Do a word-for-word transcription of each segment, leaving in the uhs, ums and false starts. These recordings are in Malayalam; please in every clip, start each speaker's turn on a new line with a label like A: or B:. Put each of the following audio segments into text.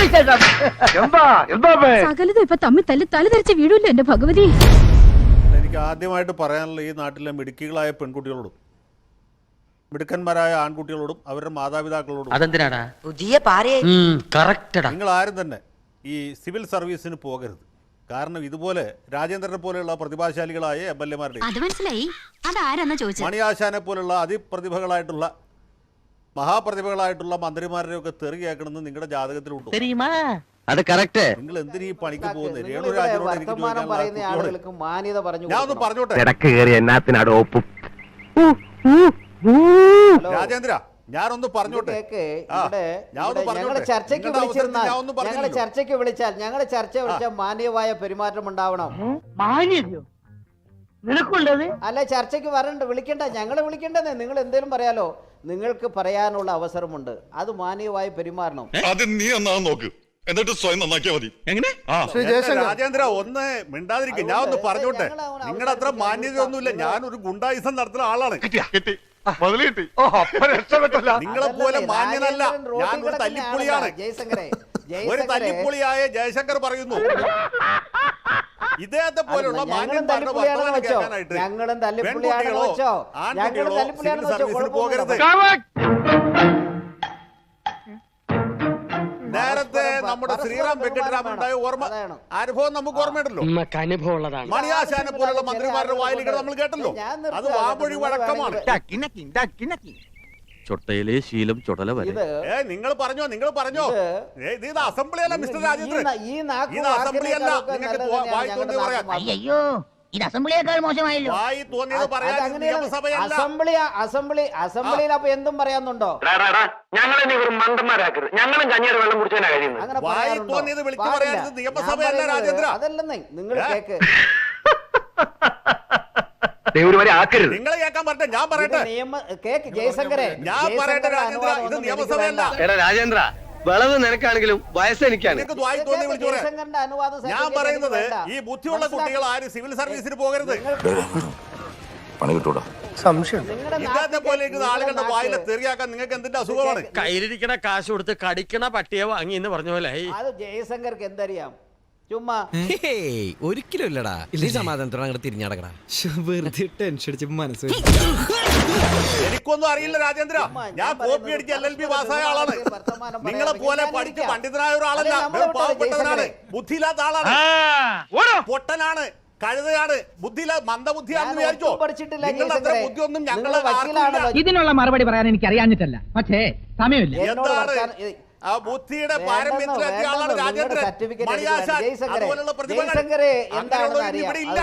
A: സകലതും ഇപ്പൊ തമ്മിൽ തല്ലി തല ധരിച്ച വീടില്ല എന്റെ ഭഗവതി.
B: എനിക്ക് ആദ്യമായിട്ട് പറയാനുള്ള ഈ നാട്ടിലെ മിടുക്കികളായ പെൺകുട്ടികളോടും മിടുക്കന്മാരായ ആൺകുട്ടികളോടും അവരുടെ മാതാപിതാക്കളോടും
C: അതെന്തിനാടാ
D: പുതിയ പാരയായി
B: നിങ്ങൾ ആരും തന്നെ ഈ സിവിൽ സർവീസിന് പോകരുത്. കാരണം ഇതുപോലെ രാജേന്ദ്രനെ പോലെയുള്ള പ്രതിഭാശാലികളായ എം എൽ എമാരുടെ മണിയാശാനെ പോലുള്ള അതിപ്രതിഭകളായിട്ടുള്ള മഹാപ്രതിഭകളായിട്ടുള്ള മന്ത്രിമാരുടെ ഒക്കെ തെറി കേൾക്കണമെന്ന് നിങ്ങളുടെ ജാതകത്തിലുണ്ടോ?
C: അത് കറക്റ്റ്.
B: നിങ്ങൾ എന്തിനീ ഈ പണിക്ക് പോകുന്നത്? രേണുരാജിനോട് എനിക്ക് ഞാൻ ഒന്ന് പറഞ്ഞോട്ടെ രാജേന്ദ്ര, ഞാനൊന്ന് പറഞ്ഞോട്ടെ.
E: ഞങ്ങളെ ചർച്ചയ്ക്ക് വിളിച്ചിരുന്നാൽ ഞങ്ങളെ ചർച്ചയ്ക്ക് വിളിച്ചാൽ ഞങ്ങളെ ചർച്ച വിളിച്ചാൽ മാന്യമായ പെരുമാറ്റം ഉണ്ടാവണം. അല്ല, ചർച്ചയ്ക്ക് വരണ്ട, വിളിക്കണ്ട, ഞങ്ങളെ വിളിക്കണ്ടെന്നേ. നിങ്ങൾ എന്തേലും പറയാലോ, നിങ്ങൾക്ക് പറയാനുള്ള അവസരമുണ്ട്, അത് മാന്യമായി പെരുമാറണം.
F: നീ നോക്ക്, എന്നിട്ട് സ്വയം നന്നാക്കിയാ മതി. എങ്ങനെ
B: രാജേന്ദ്ര ഒന്ന് മിണ്ടാതിരിക്കും. ഞാൻ ഒന്ന് പറഞ്ഞോട്ടെ, നിങ്ങളുടെ അത്ര മാന്യതയൊന്നുമില്ല. ഞാനൊരു ഗുണ്ടായുസം നടത്തുന്ന ആളാണ്. നിങ്ങളെ പോലെ മാന്യനല്ല, ഞാൻ ഒരു തല്ലിപ്പൊളിയാണ്. ഒരു തല്ലിപ്പൊളിയായ ജയശങ്കർ പറയുന്നു ഇദ്ദേഹത്തെ പോലുള്ള മാന്യന്മാരുടെ വർത്തമാനം കേൾക്കാനായിട്ട് പെൺകുട്ടികളോ ആൺകുട്ടികളോ സിവിൽ സർവീസിന് പോകരുത്. നേരത്തെ നമ്മുടെ ശ്രീറാം വെങ്കട്ടരാമൻ ഉണ്ടായ ഓർമ്മ അനുഭവം നമുക്ക് ഓർമ്മയുണ്ടല്ലോ. മണിയാശാനെ പോലുള്ള മന്ത്രിമാരുടെ വായിലുകൾ നമ്മൾ കേട്ടല്ലോ. അത് വാമൊഴി വഴക്കമാണ്.
C: ചൊട്ടയിലെ ശീലം ചുടല വരെ.
B: ഏ നിങ്ങൾ പറഞ്ഞോ നിങ്ങൾ പറഞ്ഞോ ഇത് അസംബ്ലിയല്ല മിസ്റ്റർ രാജേന്ദ്രൻ, ഇത് അസംബ്ലിയല്ല. നിങ്ങൾക്ക് വായി തോന്നിയത് പറയാം.
D: അയ്യോ, ഇത് അസംബ്ലിയേക്കാൾ മോശമായല്ലോ.
B: വായി തോന്നിയത് പറയാൻ നിയമസഭയല്ല.
E: അസംബ്ലി അസംബ്ലി അസംബ്ലിയിൽ അപ്പൊ എന്തും പറയാന്നുണ്ടോ?
G: ഞങ്ങളെ നീ വെറും മണ്ടന്മാരാക്കരുത്. ഞങ്ങളും കഞ്ഞിയുടെ വെള്ളം കുടിച്ചാൽ കഴിയുന്നത്.
B: വായി തോന്നിയത് വിളിച്ചു പറയാൻ നിയമസഭയല്ല രാജേന്ദ്ര.
E: അതല്ലെന്നേ നിങ്ങൾ കേക്ക്.
B: നിങ്ങളെ കേൾക്കാൻ പറട്ടെ, ഞാൻ പറയട്ടെ.
E: ജയശങ്കരെ,
B: ഞാൻ പറയട്ടെ രാജേന്ദ്ര, ഇത് നിയമസഭയല്ല.
C: രാജേന്ദ്ര, വിളവ് നിനക്കാണെങ്കിലും വയസ്സ് എനിക്കാണ്.
B: ഞാൻ പറയുന്നത് ഈ ബുദ്ധിയുള്ള കുട്ടികൾ ആരും സിവിൽ സർവീസിന് പോകരുത്. ഇദ്ദേഹത്തെ പോലെ ഇരിക്കുന്ന ആളുകളുടെ വായിലെ തെറിയാക്കാൻ നിങ്ങൾക്ക് എന്തിന്റെ അസുഖമാണ്?
C: കയ്യിലിരിക്കണ കാശ് കൊടുത്ത് കടിക്കണ പട്ടിയെ വാങ്ങി എന്ന് പറഞ്ഞ പോലെ.
E: അത് ജയശങ്കർക്ക് എന്തറിയാം? ചുമ്മാ
H: ഒരിക്കലും ഇല്ലടാ. ഇല്ലേ സമാധാനത്തോടെ അങ്ങോട്ട് തിരിഞ്ഞടക്കടാ. വെറുതെ ടെൻഷൻ അടിച്ച് മനസ്സ്.
B: എനിക്കൊന്നും അറിയില്ല രാജേന്ദ്ര. ഞാൻ കോപ്പി അടിച്ച് എൽ എൽ ബി പാസ്സായ ആളാണ്. നിങ്ങളെ പോലെ പഠിച്ച് പണ്ഡിതനായ ഒരാളല്ല. പാവപ്പെട്ടവനാണ്, ബുദ്ധിയില്ലാത്ത ആളാണ്, പൊട്ടനാണ്, കഴുതയാണ്, ബുദ്ധിയില്ല മന്ദബുദ്ധിയാണെന്ന് വിചാരിച്ചോ? നിങ്ങളുടെ അത്ര ബുദ്ധിയൊന്നും ഞങ്ങളെ
I: ഇതിനുള്ള മറുപടി പറയാൻ എനിക്ക് അറിയാഞ്ഞിട്ടല്ല, പക്ഷേ സമയമില്ല.
B: എന്താണ് ആ ബുദ്ധിയുടെ പാരമ്യത്തിലെത്തിയ ആളാണ് രാജേന്ദ്രൻ. മണിയാശാൻ അതുപോലുള്ള പ്രതിഭകൾ ഇവിടെ ഇല്ല.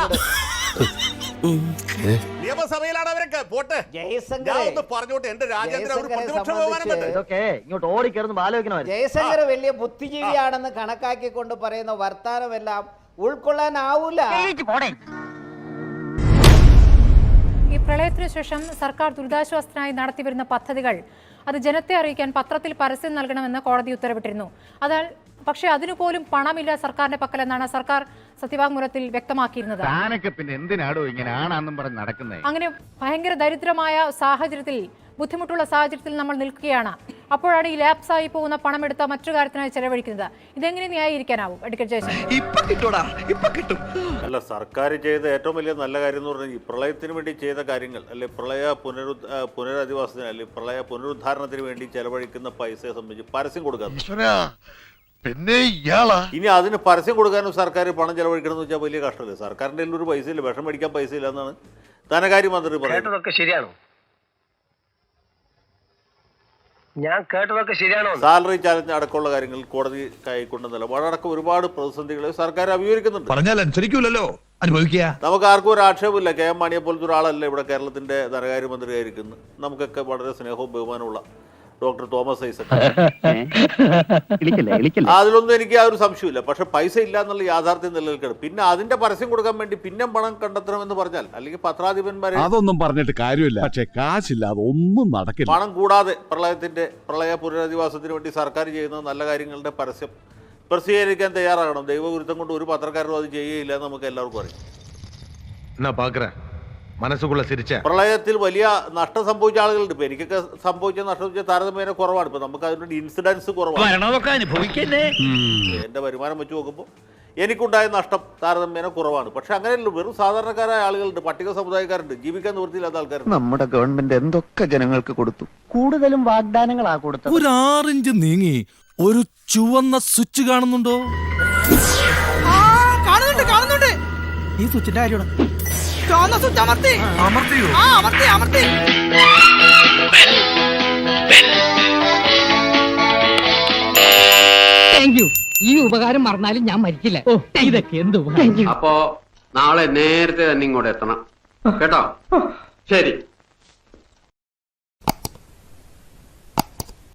B: നിയമസഭയിലാണ് അവരൊക്കെ. പോട്ടെ, ഞാൻ ഒന്ന് പറഞ്ഞോട്ടെ. എന്റെ രാജേന്ദ്രൻ ഒരു പ്രതിപക്ഷ ബഹുമാനം.
E: ജയശങ്കർ വലിയ ബുദ്ധിജീവിയാണെന്ന് കണക്കാക്കിക്കൊണ്ട് പറയുന്ന വർത്താനമെല്ലാം ഉൾക്കൊള്ളാനാവൂല.
J: ഈ പ്രളയത്തിനു ശേഷം സർക്കാർ ദുരിതാശ്വാസത്തിനായി നടത്തിവരുന്ന പദ്ധതികൾ അത് ജനത്തെ അറിയിക്കാൻ പത്രത്തിൽ പരസ്യം നൽകണമെന്ന് കോടതി ഉത്തരവിട്ടിരുന്നു. അതിനാൽ പക്ഷേ അതിനുപോലും പണമില്ല സർക്കാരിന്റെ പക്കലെന്നാണ് സർക്കാർ സത്യവാങ്മൂലത്തിൽ വ്യക്തമാക്കിയിരുന്നത്. അങ്ങനെ ഭയങ്കര ദരിദ്രമായ സാഹചര്യത്തിൽ, ബുദ്ധിമുട്ടുള്ള സാഹചര്യത്തിൽ നമ്മൾ നിൽക്കുകയാണ്. അപ്പോഴാണ് ഈ ലാപ്സായി പോകുന്ന പണമെടുത്ത മറ്റു കാര്യത്തിനായി ചെലവഴിക്കുന്നത്. ഇതെങ്ങനെ ന്യായീകരിക്കാനാവും അഡ്വക്കേറ്റ് ജയശങ്കർ?
B: അല്ല, സർക്കാർ ചെയ്ത ഏറ്റവും വലിയ നല്ല കാര്യം എന്ന് പറഞ്ഞാൽ ഈ പ്രളയത്തിന് വേണ്ടി ചെയ്ത കാര്യങ്ങൾ, അല്ലെ പ്രളയ പുനരു പുനരധിവാസത്തിന് അല്ലെ പ്രളയ പുനരുദ്ധാരണത്തിന് വേണ്ടി ചെലവഴിക്കുന്ന പൈസയെ സംബന്ധിച്ച് പരസ്യം കൊടുക്കാൻ.
F: പിന്നെ
B: ഇനി അതിന് പരസ്യം കൊടുക്കാനും സർക്കാർ പണം ചെലവഴിക്കണം എന്ന് വെച്ചാൽ വലിയ കഷ്ടമല്ലേ? സർക്കാരിന്റെ ഒരു പൈസ ഇല്ല, വിഷം മേടിക്കാൻ പൈസ ഇല്ല എന്നാണ് ധനകാര്യ മന്ത്രി പറയുന്നത്.
G: ശരിയാണോ? ഞാൻ കേട്ടതൊക്കെ ശരിയാണോ?
B: സാലറി ചാലഞ്ച് അടക്കമുള്ള കാര്യങ്ങൾ കോടതി കൈക്കൊണ്ട നിലപാടടക്കം ഒരുപാട് പ്രതിസന്ധികളെ സർക്കാർ അഭിമുഖീകരിക്കുന്നുണ്ട്.
F: പറഞ്ഞാൽ അനുസരിക്കൂലല്ലോ, അനുഭവിക്കുക.
B: നമുക്ക് ആർക്കും ഒരു ആക്ഷേപമില്ല. കെ എം മാണിയെ പോലത്തെ ഒരാളല്ല ഇവിടെ കേരളത്തിന്റെ ധനകാര്യമന്ത്രി ആയിരിക്കുന്നത്. നമുക്കൊക്കെ വളരെ സ്നേഹവും ബഹുമാനമുള്ള ഡോക്ടർ തോമസ് ഐസക്, അതിലൊന്നും എനിക്ക് ആ ഒരു സംശയമില്ല. പക്ഷെ പൈസ ഇല്ല എന്നുള്ള യാഥാർത്ഥ്യം നിലനിൽക്കണം. പിന്നെ അതിന്റെ പരസ്യം കൊടുക്കാൻ വേണ്ടി പിന്നെ പണം കണ്ടെത്തണമെന്ന് പറഞ്ഞാൽ, അല്ലെങ്കിൽ പത്രാധിപന്മാരെ
F: അതൊന്നും പറഞ്ഞിട്ട് കാര്യമില്ല. പക്ഷെ കാശില്ല, അതൊന്നും നടക്കില്ല.
B: പണം കൂടാതെ പ്രളയത്തിന്റെ പ്രളയ പുനരധിവാസത്തിന് വേണ്ടി സർക്കാർ ചെയ്യുന്ന നല്ല കാര്യങ്ങളുടെ പരസ്യം പ്രസിദ്ധീകരിക്കാൻ തയ്യാറാകണം. ദൈവവിരുദ്ധം കൊണ്ട് ഒരു പത്രക്കാരും അത് ചെയ്യുകയില്ല എന്ന് നമുക്ക് എല്ലാവർക്കും അറിയാം.
K: മനസ്സുകൊള്ള സിരിച്ച
B: പ്രളയത്തിൽ വലിയ നഷ്ടം സംഭവിച്ച ആളുകളുണ്ട്. ഇപ്പൊ എനിക്കൊക്കെ സംഭവിച്ച നഷ്ടം താരതമ്യേന കുറവാണ്. ഇപ്പൊ നമുക്ക് അതിനൊരു ഇൻസിഡൻസ് കുറവാണ്.
K: അനുഭവിക്കല്ലേ.
B: എന്റെ വരുമാനം വെച്ച് നോക്കുമ്പോൾ എനിക്കുണ്ടായ നഷ്ടം താരതമ്യേന കുറവാണ്. പക്ഷെ അങ്ങനെയല്ല, വെറും സാധാരണക്കാരായ ആളുകളുണ്ട്, പട്ടിക സമുദായക്കാരുണ്ട്, ജീവിക്കാൻ നിവൃത്തിയില്ലാത്ത ആൾക്കാരുണ്ട്.
F: നമ്മുടെ ഗവൺമെന്റ് എന്തൊക്കെ ജനങ്ങൾക്ക് കൊടുത്തു.
D: കൂടുതലും വാഗ്ദാനങ്ങളാ കൊടുത്തത്.
H: ഒരു ആറിഞ്ച് നീങ്ങി ഒരു ചുവന്ന സ്വിച്ച് കാണുന്നുണ്ടോ?
I: കാണുന്നുണ്ട് കാണുന്നുണ്ട് ഈ സ്വിച്ചിന്റെ കാര്യമാണ് ചുവന്ന സ്വിച്ച് അമർത്തി
K: അമർത്തിയോ?
I: ആ അമർത്തി അമർത്തി താങ്ക് യു. ഈ ഉപകാരം മറന്നാലും ഞാൻ മരിക്കില്ല. ഓ ഇതൊക്കെ എന്ത് ഉപകാരം.
G: അപ്പോ നാളെ നേരത്തെ തന്നെ ഇങ്ങോട്ട് എത്തണം കേട്ടോ. ശരി.